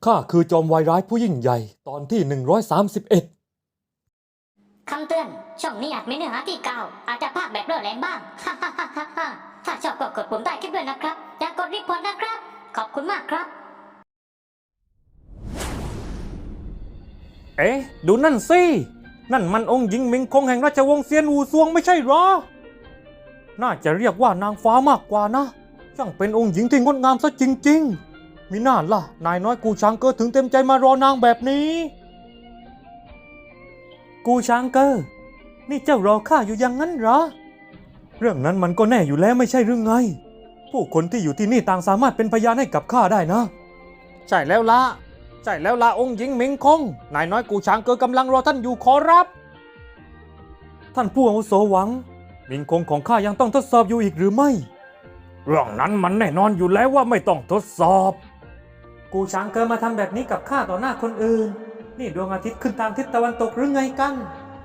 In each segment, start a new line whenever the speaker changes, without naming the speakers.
ข้าคือจอมวายร้ายผู้ยิ่งใหญ่ตอนที่131
คำเตือนช่องนี้อาจมีเนื้อหาที่กล่าวอาจจะพากแบบเร่อแรงบ้าง ถ้าชอบก็กดปุ่มใต้คลิปด้วยนะครับอย่ากดรีพอร์ตนะครับขอบคุณมากครับ
เอ๊ะดูนั่นสินั่นมันองค์หญิงหมิงคงแห่งราชวงศ์เซียนอู่ซวงไม่ใช่หรอน่าจะเรียกว่านางฟ้ามากกว่านะช่างเป็นองค์หญิงที่งดงามซะจริงๆมิน่าล่ะนายน้อยกูช้างเกอถึงเต็มใจมารอนางแบบนี้กูช้างเกอนี่เจ้ารอข้าอยู่อย่างนั้นเหรอเรื่องนั้นมันก็แน่อยู่แล้วไม่ใช่หรือไงผู้คนที่อยู่ที่นี่ต่างสามารถเป็นพยานให้กับข้าได้นะใช่แล้วละองค์หญิงหมิงคงนายน้อยกูช้างเกอกำลังรอท่านอยู่ขอรับท่านผู้อาวุโสหวังหมิงคงของข้ายังต้องทดสอบอยู่อีกหรือไม่เรื่องนั้นมันแน่นอนอยู่แล้วว่าไม่ต้องทดสอบกูช้างเกอมาทำแบบนี้กับข้าต่อหน้าคนอื่นนี่ดวงอาทิตย์ขึ้นทางทิศตะวันตกหรือไงกัน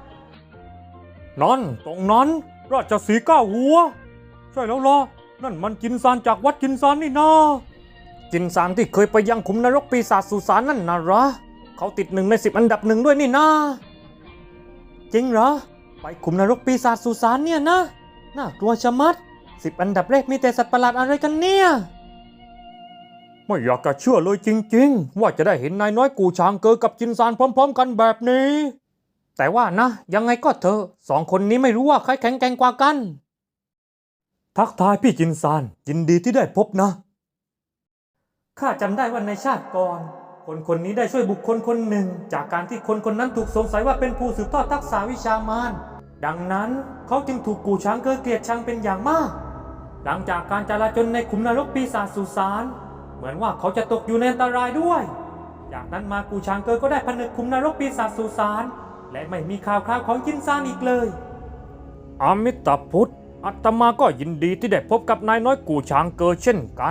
นั่นตรงนั้นราชสีห์ก้าวหัวใช่แล้วล่ะนั่นมันจินซานจากวัดจินซานนี่นาจินซานที่เคยไปยังขุมนรกปีศาจสุสานนั่นนะเหรอเขาติด1 ใน 10อันดับ1ด้วยนี่นาจริงเหรอไปขุมนรกปีศาจสุสานเนี่ยนะน่ากลัวชะมัด10อันดับแรกมีแต่สัตว์ประหลาดอะไรกันเนี่ยไม่อยากจะเชื่อเลยจริงๆว่าจะได้เห็นนายน้อยกูช้างเกอกับจินซานพร้อมๆกันแบบนี้แต่ว่านะยังไงก็เถอะสองคนนี้ไม่รู้ว่าใครแข็งแกร่งกว่ากันทักทายพี่จินซานยินดีที่ได้พบนะข้าจำได้ว่าในชาติก่อนคนนี้ได้ช่วยบุคคลคนหนึ่งจากการที่คนนั้นถูกสงสัยว่าเป็นผู้สืบทอดทักษะวิชามารดังนั้นเขาจึงถูกกูช้างเกอเกลียดชังเป็นอย่างมากหลังจากการจลาจลในขุมนรกปีศาจสุสานเหมือนว่าเขาจะตกอยู่ในอันตรายด้วยจากนั้นมากูช้างเกอก็ได้ผนึกขุมนรกปีศาจสุสานและไม่มีข่าวคราวของจินซานอีกเลยอามิตาพุทธอาตมาก็ยินดีที่ได้พบกับนายน้อยกูช้างเกอเช่นกัน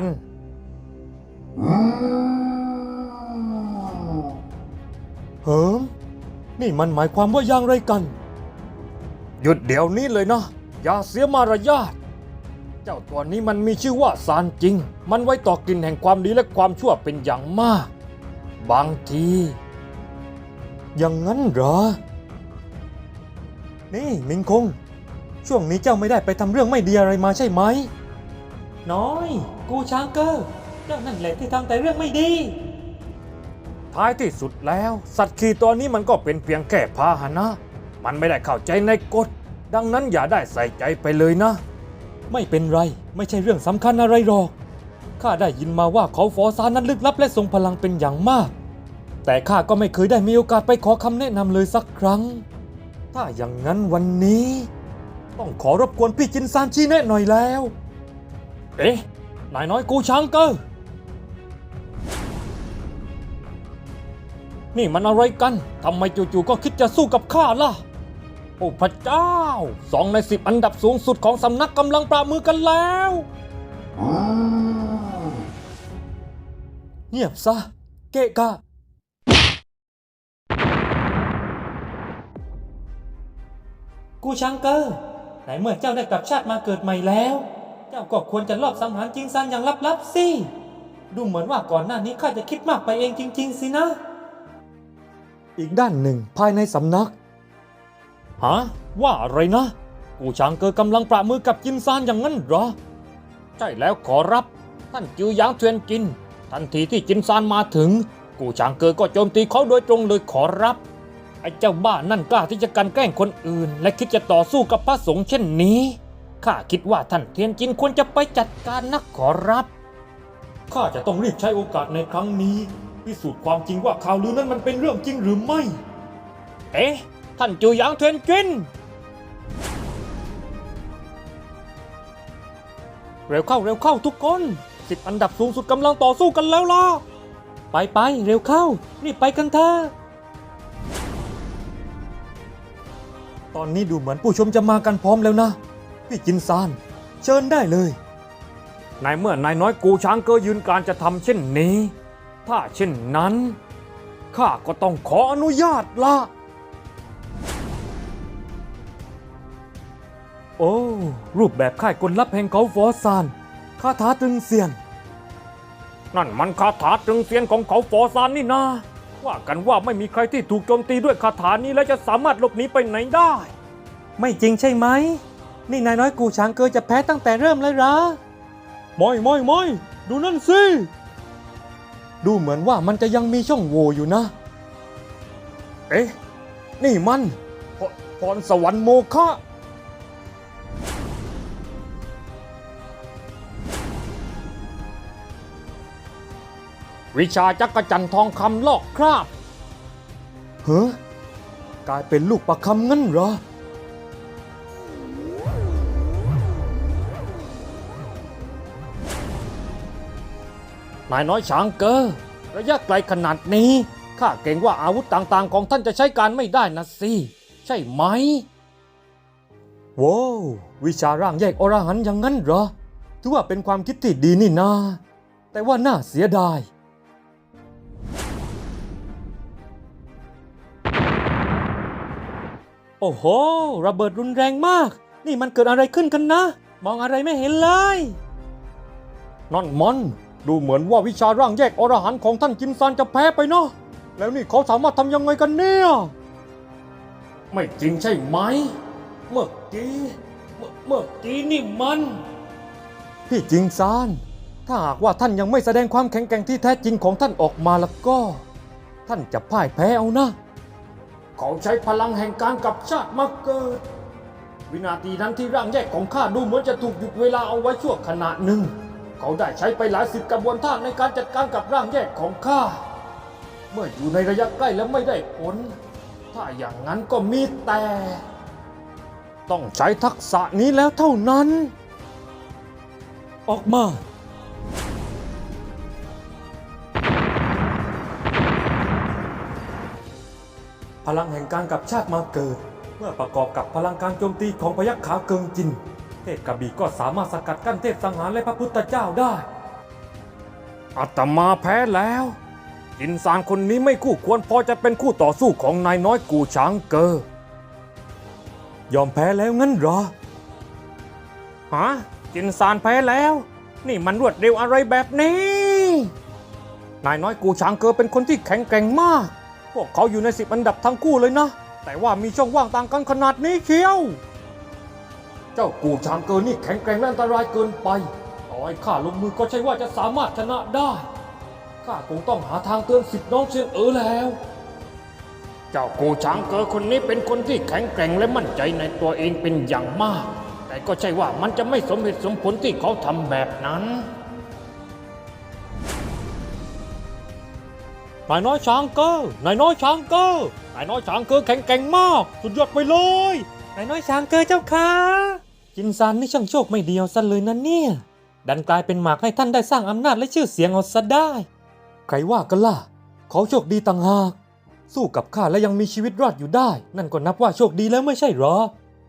เฮิมนี่มันหมายความว่าอย่างไรกันหยุดเดี๋ยวนี้เลยนะอย่าเสียมารยาทเจ้าตัวนี้มันมีชื่อว่าซานจริงมันไว้ต่อกลิ่นแห่งความดีและความชั่วเป็นอย่างมากบางทีอย่างนั้นเหรอนี่มิงคงช่วงนี้เจ้าไม่ได้ไปทำเรื่องไม่ดีอะไรมาใช่ไหมน้อยกูช้างเกอเจ้านั่นแหละที่ทำแต่เรื่องไม่ดีท้ายที่สุดแล้วสัตว์ขี่ตัวนี้มันก็เป็นเพียงแค่พาหนะมันไม่ได้เข้าใจในกฎดังนั้นอย่าได้ใส่ใจไปเลยนะไม่เป็นไรไม่ใช่เรื่องสำคัญอะไรหรอกข้าได้ยินมาว่าเขาฟอซานนั้นลึกลับและทรงพลังเป็นอย่างมากแต่ข้าก็ไม่เคยได้มีโอกาสไปขอคำแนะนำเลยสักครั้งถ้าอย่างนั้นวันนี้ต้องขอรบกวนพี่จินซานชี้แนะหน่อยแล้วเอ๊ะนายน้อยกูช้างเกอนี่มันอะไรกันทำไมจู่ๆก็คิดจะสู้กับข้าล่ะโอ้พระเจ้า2 ใน 10อันดับสูงสุดของสำนักกำลังประมือกันแล้วเงียบซะเกะกะกูช้างเกอไหนเมื่อเจ้าได้กลับชาติมาเกิดใหม่แล้วเจ้าก็ควรจะลอบสังหารจิงซันอย่างลับๆสิดูเหมือนว่าก่อนหน้านี้ข้าจะคิดมากไปเองจริงๆสินะอีกด้านหนึ่งภายในสำนักฮะว่าอะไรนะกูช้างเกอกำลังประมือกับจินซานอย่างนั้นเหรอใช่แล้วขอรับท่านจิวหยางเทวียนจินทันทีที่จินซานมาถึงกูช้างเกอก็โจมตีเขาโดยตรงเลยขอรับไอ้เจ้าบ้านั่นกล้าที่จะกันแกล้งคนอื่นและคิดจะต่อสู้กับพระสงฆ์เช่นนี้ข้าคิดว่าท่านเทียนจินควรจะไปจัดการนะขอรับข้าจะต้องรีบใช้โอกาสในครั้งนี้พิสูจน์ความจริงว่าข่าวลือนั้นมันเป็นเรื่องจริงหรือไม่เอ๊ะท่านจิวหยางเทวียนจินเร็วเข้าทุกคน10อันดับสูงสุดกำลังต่อสู้กันแล้วล่ะไปเร็วเข้ารีบไปกันเถอะตอนนี้ดูเหมือนผู้ชมจะมากันพร้อมแล้วนะพี่จินซานเชิญได้เลยในเมื่อนายน้อยกูช้างเกอยืนการจะทำเช่นนี้ถ้าเช่นนั้นข้าก็ต้องขออนุญาตละโอ้รูปแบบค่ายกลลับแห่งเขาฟอซานคาถาตรึงเซียนนั่นมันคาถาตรึงเซียนของเขาฟอซานนี่นาว่ากันว่าไม่มีใครที่ถูกโจมตีด้วยคาถานี้แล้วจะสามารถหลบหนีไปไหนได้ ไม่จริงใช่ไหมนี่นายน้อยกูช้างเกอจะแพ้ตั้งแต่เริ่มเลยเหรอไม่ดูนั่นสิดูเหมือนว่ามันจะยังมีช่องโหว่อยู่นะเอ๊ะนี่มันพรสวรรค์โมฆะวิชาจักรจันทร์ทองคำลอกคราบเฮ้กลายเป็นลูกประคำงั้นเหรอนายน้อยช้างเกอระยะไกลขนาดนี้ข้าเกรงว่าอาวุธต่างๆของท่านจะใช้การไม่ได้นะสิใช่ไหมว้าววิชาร่างแยกอรหันต์อย่างนั้นเหรอถือว่าเป็นความคิดที่ดีนี่นาแต่ว่าน่าเสียดายโอ้โหระเบิดรุนแรงมากนี่มันเกิดอะไรขึ้นกันนะมองอะไรไม่เห็นเลยนั่นมันดูเหมือนว่าวิชาร่างแยกอรหันต์ของท่านจินซานจะแพ้ไปเนาะแล้วนี่เขาสามารถทำยังไงกันเนี่ยไม่จริงใช่ไหมเมื่อกี้นี่มันพี่จิงซานถ้าหากว่าท่านยังไม่แสดงความแข็งแกร่งที่แท้จริงของท่านออกมาแล้วก็ท่านจะพ่ายแพ้เอานะเขาใช้พลังแห่งการกลับชาติมาเกิดวินาทีนั้นที่ร่างแยกของข้าดูเหมือนจะถูกหยุดเวลาเอาไว้ชั่วขณะหนึ่งเขาได้ใช้ไปหลายสิบกระบวนท่าในการจัดการกับร่างแยกของข้าเมื่ออยู่ในระยะใกล้แล้วไม่ได้ผลถ้าอย่างนั้นก็มีแต่ต้องใช้ทักษะนี้แล้วเท่านั้นออกมาพลังแห่งการกลับชาติมาเกิดเมื่อประกอบกับพลังการโจมตีของพยัคฆ์ขาวเกิงจินเทพกระบี่ก็สามารถสกัดกั้นเทพสังหารและพระพุทธเจ้าได้อาตมาแพ้แล้วจินซานคนนี้ไม่คู่ควรพอจะเป็นคู่ต่อสู้ของนายน้อยกูช้างเกอยอมแพ้แล้วงั้นเหรอฮะจินซานแพ้แล้วนี่มันรวดเร็วอะไรแบบนี้นายน้อยกูช้างเกอเป็นคนที่แข็งแกร่งมากพวกเขาอยู่ใน10 อันดับทั้งคู่เลยนะแต่ว่ามีช่องว่างต่างกันขนาดนี้เชียวเจ้ากูช้างเกอนี่แข็งแกร่งและอันตรายเกินไปต่อให้ข้าลงมือก็ใช่ว่าจะสามารถชนะได้ข้าคงต้องหาทางเตือนสิทธิ์น้องเชียนแล้วเจ้ากูช้างเกอคนนี้เป็นคนที่แข็งแกร่งและมั่นใจในตัวเองเป็นอย่างมากแต่ก็ใช่ว่ามันจะไม่สมเหตุสมผลที่เขาทำแบบนั้นนายน้อยช้างเกอนายน้อยช้างเกอนายน้อยช้างเกอแข็งแกร่งมากสุดยอดไปเลยนายน้อยช้างเกอเจ้าค่ะจินซานนี่ช่างโชคไม่เดียวซะเลยนะเนี่ยดันกลายเป็นหมากให้ท่านได้สร้างอำนาจและชื่อเสียงเอาซะได้ใครว่ากันล่ะเขาโชคดีต่างหากสู้กับข้าและยังมีชีวิตรอดอยู่ได้นั่นก็นับว่าโชคดีแล้วไม่ใช่หรอ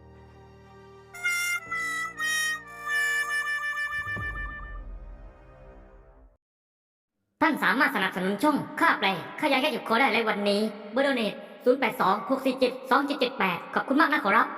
ท่านสามารถสนับสนุนช่องค่าแปลค่ายาแก้เจ็บคอได้ในวันนี้เบอร์โดเนท082 647 2778ขอบคุณมากนะขอรับ